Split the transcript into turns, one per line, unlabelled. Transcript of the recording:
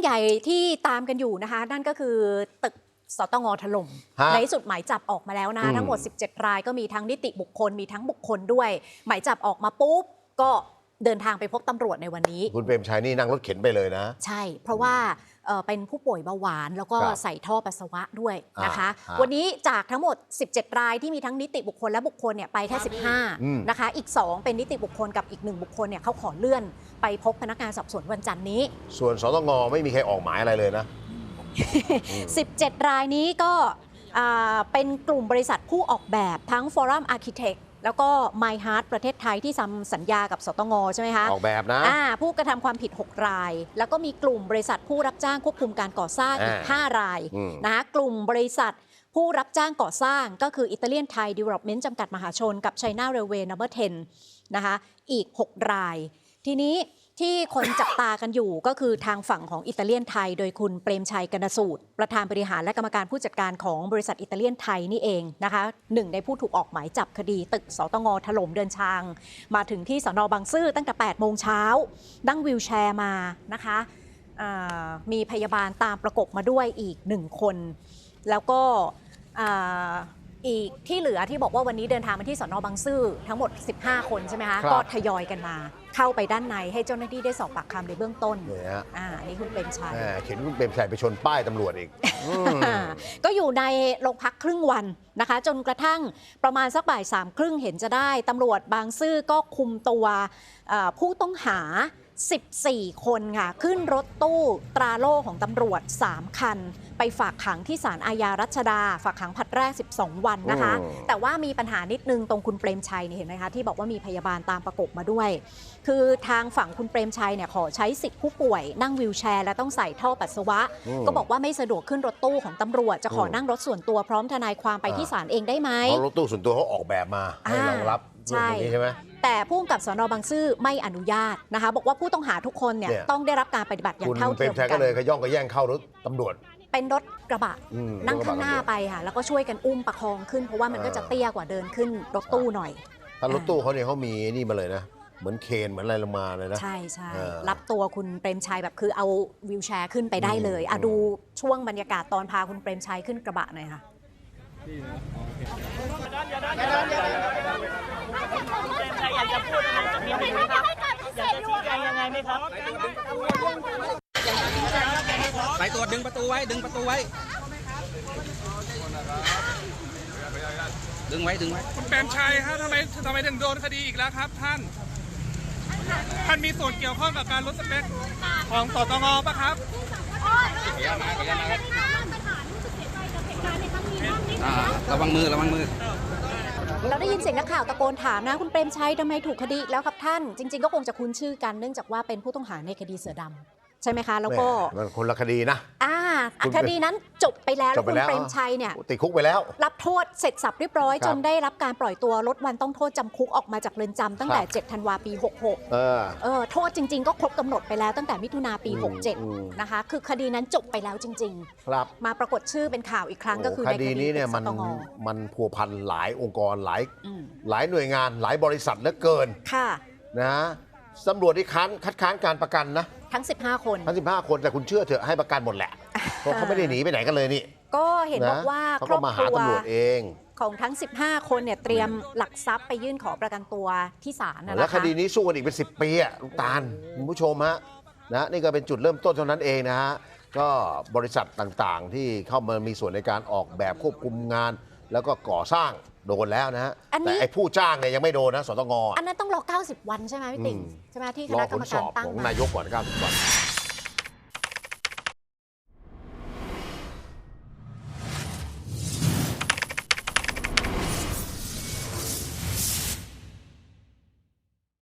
ญ่ที่ตามกันอยู่นะคะนั่นก็คือตึกสตง.ถล่มในที่สุดหมายจับออกมาแล้วนะทั้งหมด17 รายก็มีทั้งนิติบุคคลมีทั้งบุคคลด้วยหมายจับออกมาปุ๊บก็เดินทางไปพบตำรวจในวันนี้
คุณเปรมชัยนี่นั่งรถเข็นไปเลยนะ
ใช่เพราะว่าเป็นผู้ป่วยเบาหวานแล้วก็ใส่ท่อปัสสาวะด้วยนะคะวันนี้จากทั้งหมด17 รายที่มีทั้งนิติบุคคลและบุคคลเนี่ยไปแค่15นะคะอีก2เป็นนิติบุคคลกับอีก1บุคคลเนี่ยเขาขอเลื่อนไปพบพนักงานสอบสวนวันจันทร์นี้
ส่วนสตง.ไม่มีใครออกหมายอะไรเลยนะ
17 รายนี้ก็เป็นกลุ่มบริษัทผู้ออกแบบทั้ง Forum Architect แล้วก็ My Heart ประเทศไทยที่ทำสัญญากับสตง.ใช่ไหมคะ
ออกแบบนะ
ผู้กระทำความผิด6 รายแล้วก็มีกลุ่มบริษัทผู้รับจ้างควบคุมการก่อสร้างอีก5 รายนะคะกลุ่มบริษัทผู้รับจ้างก่อสร้างก็คืออิตาเลียนไทย Development จำกัดมหาชนกับ China Railway No. 10นะคะอีก6 รายทีนี้ที่คนจับตากันอยู่ก็คือทางฝั่งของอิตาเลียนไทยโดยคุณเปรมชัยกนสูตรประธานบริหารและกรรมการผู้จัดการของบริษัทอิตาเลียนไทยนี่เองนะคะหนึ่งในผู้ถูกออกหมายจับคดีตึกสตง.ถล่มเดินทางมาถึงที่สน.บางซื่อตั้งแต่8 โมงเช้านั่งวีลแชร์มานะคะมีพยาบาลตามประกบมาด้วยอีก1 คนแล้วก็อีกที่เหลือที่บอกว่าวันนี้เดินทางมาที่สน.บางซื่อทั้งหมด15 คนใช่ไหมคะก็ทยอยกันมาเข้าไปด้านในให้เจ้าหน้าที่ได้สอบปากคำในเบื้องต้นนี่คุณเปรมชัย
เห็นคุณเปรมชัยไปชนป้ายตำรวจอีก
ก็อยู่ในโรงพักครึ่งวันนะคะจนกระทั่งประมาณสักบ่าย3:30เห็นจะได้ตำรวจบางซื่อก็คุมตัวผู้ต้องหา14 คนค่ะขึ้นรถตู้ตราโล่ของตำรวจ3 คันไปฝากขังที่ศาลอาญารัชดาฝากขังผลัดแรก12 วันนะคะแต่ว่ามีปัญหานิดนึงตรงคุณเปรมชัยเห็นไหมคะที่บอกว่ามีพยาบาลตามประกบมาด้วยคือทางฝั่งคุณเปรมชัยเนี่ยขอใช้สิทธิผู้ป่วยนั่งวีลแชร์และต้องใส่ท่อปัสสาวะก็บอกว่าไม่สะดวกขึ้นรถตู้ของตำรวจจะขอนั่งรถส่วนตัวพร้อมทนายความไปที่ศาลเองได้ไหม
เพราะรถตู้ส่วนตัวเขาออกแบบมาให้รองรับเรื่องนี้ใช่ไหม
แต่ผู้กำกับสน.บางซื่อไม่อนุญาตนะคะบอกว่าผู้ต้องหาทุกคนเนี่ยต้องได้รับการปฏิบัติอย่างเท่าเทียมกัน
คุณเปรมชัยก็เลยขย่องกระแย่งเข้ารถตำรวจ
เป็นรถกระบะนั่งข้างหน้าไปค่ะแล้วก็ช่วยกันอุ้มประคองขึ้นเพราะว่ามันก็จะเตี้ยกว่าเดินขึ้นรถตู้หน่อย
ถ้ารถตู้เขาเนี่ยเขามีนี่มาเลยนะเหมือนเคนเหมือนอะไรลงมาเลยนะ
ใช่ใช่รับตัวคุณเปรมชัยแบบคือเอาวีลแชร์ขึ้นไปได้เลยดูช่วงบรรยากาศตอนพาคุณเปรมชัยขึ้นกระบะหน่อยค่ะ
อยากจะพูดอะไรกับพี่ไหมครับอยากจะชี้แจงยังไงไหมครับ
สายตรวจดึงประตูไว้ดึงประตูไว้ดึงไว้
คุณเปรมชัยครับทำไมถึงโดนคดีอีกแล้วครับท่านมีส่วนเกี่ยวข้องกับการลดสเปคของสตง.ป่ะครับ
ระวังมือ
เราได้ยินเสียงนักข่าวตะโกนถามนะคุณเปรมชัยทำไมถูกคดีอีกแล้วครับท่านจริงๆก็คงจะคุ้นชื่อกันเนื่องจากว่าเป็นผู้ต้องหาในคดีเสือดำใช่ไหมคะแล้วก็
มันคนละคดีนะ
คดีนั้นจบไปแล้วคุณเปรมชัยเนี่ย
ติดคุกไปแล้ว
รับโทษเสร็จสับเรียบร้อยจนได้รับการปล่อยตัวลดวันต้องโทษจำคุกออกมาจากเรือนจำตั้งแต่7 ธันวาปี 66โทษจริงๆก็ครบกำหนดไปแล้วตั้งแต่มิถุนาปี 67นะคะคือคดีนั้นจบไปแล้วจริงๆมาปรากฏชื่อเป็นข่าวอีกครั้งก็คือในคดีนี้เนี่ย
มันพัวพันหลายองค์กรหลายหน่วยงานหลายบริษัทเหลือเกินนะตำรวจที่คัดค้านการประกันนะ
ทั้ง15 คน
แต่คุณเชื่อเถอะให้ประกันหมดแหละเพราะเขาไม่ได้หนีไปไหนกันเลยนี่
ก็เห็นบอกว่า
ครอบครัวตำรวจเอง
ของทั้ง15 คนเนี่ยเตรียมหลักทรัพย์ไปยื่นขอประกันตัวที่ศาลนะคะ
แล้วคดีนี้สู้กันอีกเป็น10 ปีลูกตาลคุณผู้ชมฮะนะนี่ก็เป็นจุดเริ่มต้นเท่านั้นเองนะฮะก็บริษัทต่างๆที่เข้ามามีส่วนในการออกแบบควบคุมงานแล้วก็ก่อสร้างโดนแล้วนะฮะแต่ไอ้ผู้จ้างเนี่ยยังไม่โดนนะสตง.
อันนั้นต้องรอ90 วันใช่ไหมพี่ติ๋งใช่ไหมที่คณะกรรมการตั้ง
ของนายกก่อน90 วัน